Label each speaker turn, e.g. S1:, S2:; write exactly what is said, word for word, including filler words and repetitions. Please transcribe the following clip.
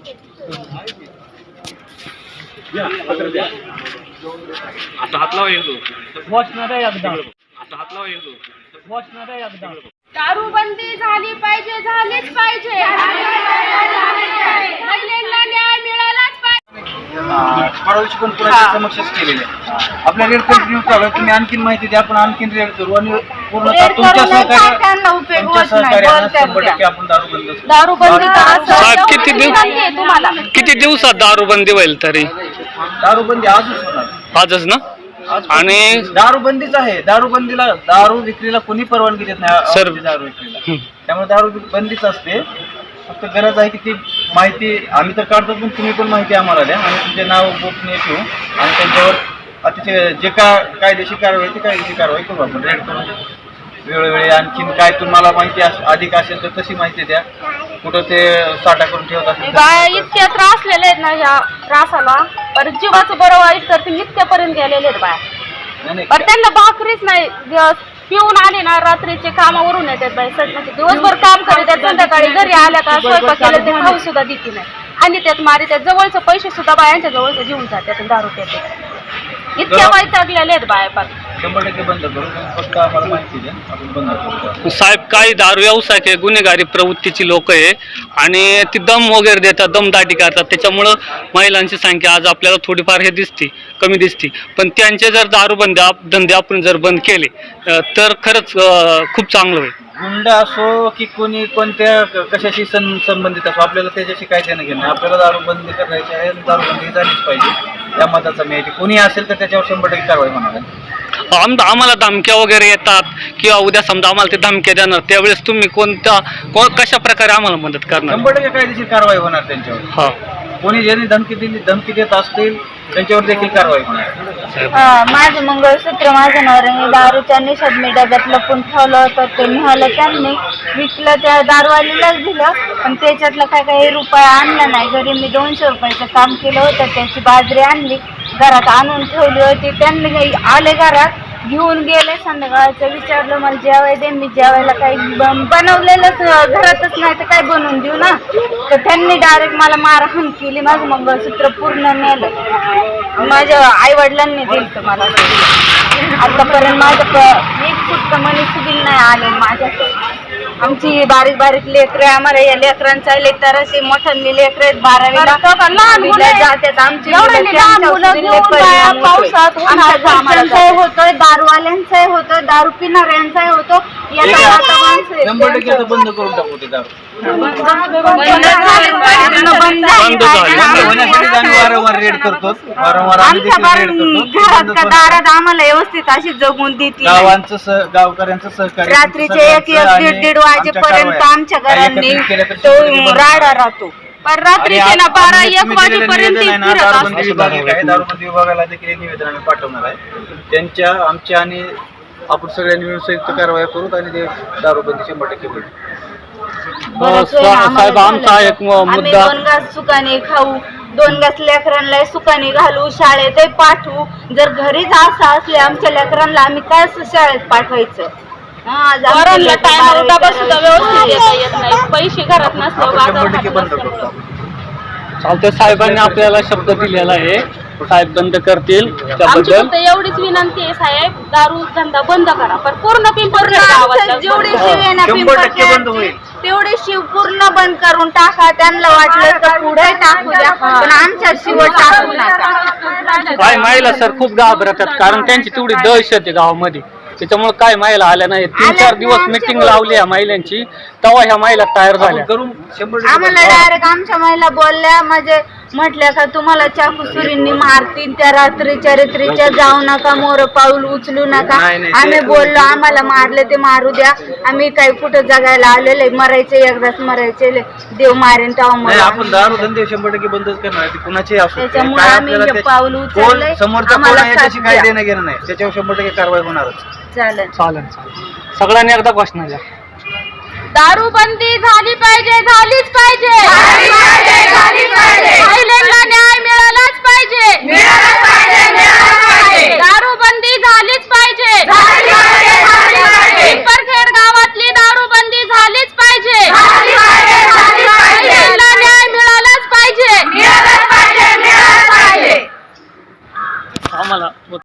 S1: आता हात लावा येतो
S2: वॉचणार आहे एकदा
S1: आता हात लावा येतो
S2: वॉचणार आहे एकदा
S3: दारूबंदी झाली पाहिजे, झालीच पाहिजे. महिलांना न्याय मिळालाच पाहिजे.
S4: परवाची पण पुण्याच्या समक्षच केलेले आपल्या रेड कंटिन्यू चालू आहे. तुम्ही आणखीन माहिती द्या, आपण आणखीन रेड करू आणि पूर्णतः तुमच्या सहकार्य तुमच्या सहकार्यानं शंभर टक्के आपण दारूबंद
S1: साहेब किती दिवस
S3: तुम्हाला
S1: किती दिवसात दारूबंदी होईल तरी?
S4: दारूबंदी आजच होणार,
S1: आजच ना?
S4: आणि दारूबंदीच आहे. दारूबंदीला दारू विक्रीला कोणी परवानगी देत नाही
S1: सर.
S4: दारू विक्रीला, त्यामुळे दारू बंदीच असते. फक्त गरज आहे की ती माहिती आम्ही तर काढतो, पण तुम्ही पण माहिती आम्हाला द्या आणि तुमचे नाव गोपनीय ठेवू आणि त्यांच्यावर अतिशय जे का कायदेशीर कारवाई ती कायदेशीर कारवाई करू. आपण रेड करून वेळोवेळी आणखीन काय तुम्हाला माहिती अधिक असेल तर तशी माहिती द्या. कुठं ते साठा करून ठेवत असेल
S3: बाय इतके त्रासलेले आहेत ना ह्या त्रासाला, पर जीवाचं बरं वाईट तर ते नित्यापर्यंत गेलेले आहेत बाय. पण त्यांना भाकरीच नाही, पिऊन आले ना रात्रीचे कामावरून येतात बाई. म्हणजे दिवसभर काम करीत संध्याकाळी घरी आल्या का स्वयंपाक केला ते खाऊ सुद्धा देते नाही आणि त्यात मारी त्यात जवळचे पैसे सुद्धा बायांच्या जवळचे घेऊन जातात दारू पेटे. इतक्या वैतागलेले आहेत बाया. पण
S4: शंभर टक्के बंद करू, फक्त आम्हाला माहिती द्या, आपण बंद करू.
S1: साहेब काही दारू व्यवसाय गुन्हेगारी प्रवृत्तीची लोक आहे आणि ती दम वगैरे देतात, दमदाटी करतात. त्याच्यामुळं महिलांची संख्या आज आपल्याला थोडीफार हे दिसते, कमी दिसते. पण त्यांचे जर दारूबंदी धंदे आपण जर बंद केले तर खरंच खूप चांगलं होईल.
S4: गुंड असो की कोणी कोणत्या कशाशी सं संबंधित असो, आपल्याला त्याच्याशी काय देणं घेणं नाही. आपल्याला दारूबंदी करायची आहे, दारूबंदी झालीच पाहिजे. त्या मताचा मी कोणी असेल तर त्याच्यावर शंभर टक्के कारवाई होणार आहे.
S1: आम आम्हाला धमक्या वगैरे येतात किंवा उद्या समजा आम्हाला ते धमक्या देणार, त्यावेळेस तुम्ही कोणत्या को कशा प्रकारे आम्हाला मदत करणार?
S4: शंभर टक्के कायदेशीर कारवाई होणार त्यांच्यावर.
S1: हा,
S4: कोणी ज्यांनी धमकी दिली धमकी देत असतील त्यांच्यावर देखील कारवाई होणार.
S5: माझं मंगळसूत्र माझ्या नवऱ्याने दारूच्या निशात मी डब्यात लपून ठेवलं होतं, ते निघालं त्यांनी विकलं, त्या दारूवालीलाच दिलं. पण त्याच्यातलं काय काही रुपया आणला नाही. घरी मी दोनशे रुपयाचं काम केलं होतं, त्याची बाजरी आणली घरात आणून ठेवली होती. त्यांनी आले घरात घेऊन गेले, संध्याकाळचं विचारलं मला जेवाय दे, मी जेवायला काही बनवलेलंच घरातच नाही तर काय बनवून देऊ ना. तर त्यांनी डायरेक्ट मला मारहाण केली, माझं मंगळसूत्र पूर्ण नेलं. माझ्या आई वडिलांनी दिलं मला. आतापर्यंत माझं एक फुट मनी सुद्धा नाही आले माझ्याकडे. आमची बारीक बारीक लेकरं, आम्हाला या लेकरांचा लेकराशी मोठ्यांनी लेकर आहेत बारावीला जातात. आमची पावसात आमच्या होतोय, दारूवाल्यांचाही होतोय, दारू पिणाऱ्यांचाही होतो.
S4: शंभर टक्के आता बंद करून टाकू ते दारू. वारंवार रेड करतो, वारंवार
S5: घरात दारात आम्हाला व्यवस्थित अशी जगून देते.
S4: गावांचं गावकऱ्यांचं सहकार्य
S5: रात्रीचे एक एक दीड दीड वाजेपर्यंत आमच्या घरांनी तो राडा राहतो. पण रात्रीचे ना बारा एक वाजेपर्यंत
S4: दारूबंदी विभागाला देखील एक निवेदन आम्ही पाठवणार आहे. त्यांच्या आमच्या आणि आपण सगळ्यांनी मिळून संयुक्त कारवाई करू आणि ते दारूबंदी शंभर टक्के होईल.
S1: साहेब आमचा एक मुद्दा,
S5: दोन घास सुकाने खाऊ, दोन घास लेकरांना सुकाने घालू, शाळेत पाठवू. जर घरीच असं असले आमच्या लेकरांना आम्ही काय शाळेत पाठवायचं?
S3: पैसे घरात नसल्यावर
S1: चालते. साहेबांनी आपल्याला शब्द दिलेला आहे, साहेब बंद करतील. त्याबद्दल
S3: एवढीच विनंती आहे साहेब, दारू धंदा बंद करा. पण पूर्ण पिंपरी
S5: जेवढी शिव आहे ना पिंपरी तेवढी शिव पूर्ण बंद करून टाका. त्यांना वाटलं तर पुढे टाकू द्या, पण आमच्या शिव टाकू नका.
S1: काय महिला सर खूप घाबरतात, कारण त्यांची तेवढी दहशत आहे गावामध्ये. त्याच्यामुळे काय महिला आल्या नाही. तीन चार दिवस मिटिंग लावली ह्या महिलांची, तेव्हा ह्या महिला तयार झाल्या.
S5: आम्हाला डायरेक्ट आमच्या महिला बोलल्या, म्हणजे म्हटल्या का तुम्हाला चाकू सुरींनी मारतील, त्या रात्रीच्या रात्रीच्या जाऊ नका, मोर पाऊल उचलू नका. आम्ही बोललो आम्हाला मारले ते मारू द्या, आम्ही काही कुठं जगायला आलेले, मरायचे एकदाच मरायचे, देव मारेन तेव्हा.
S4: आपण दारूधंदे शंभर टक्के बंदच करणार, कुणाचे असो.
S5: त्याच्यामुळे आम्ही पाऊल उचलले.
S4: समोरचा कोण आहे त्याची काय देणं घेणं नाही, त्याच्यावर शंभर टक्के कारवाई होणारच.
S5: चालेल
S1: चालेल सगळ्यांनी एकदा घोषणा द्या.
S3: दारूबंदी झाली पाहिजे, झालीच पाहिजे. महिलांना न्याय मिळालाच पाहिजे. दारूबंदी झालीच पाहिजे. पिंपरखेड गावातली दारूबंदी झालीच पाहिजे. महिलांना न्याय मिळालाच पाहिजे.
S2: आम्हाला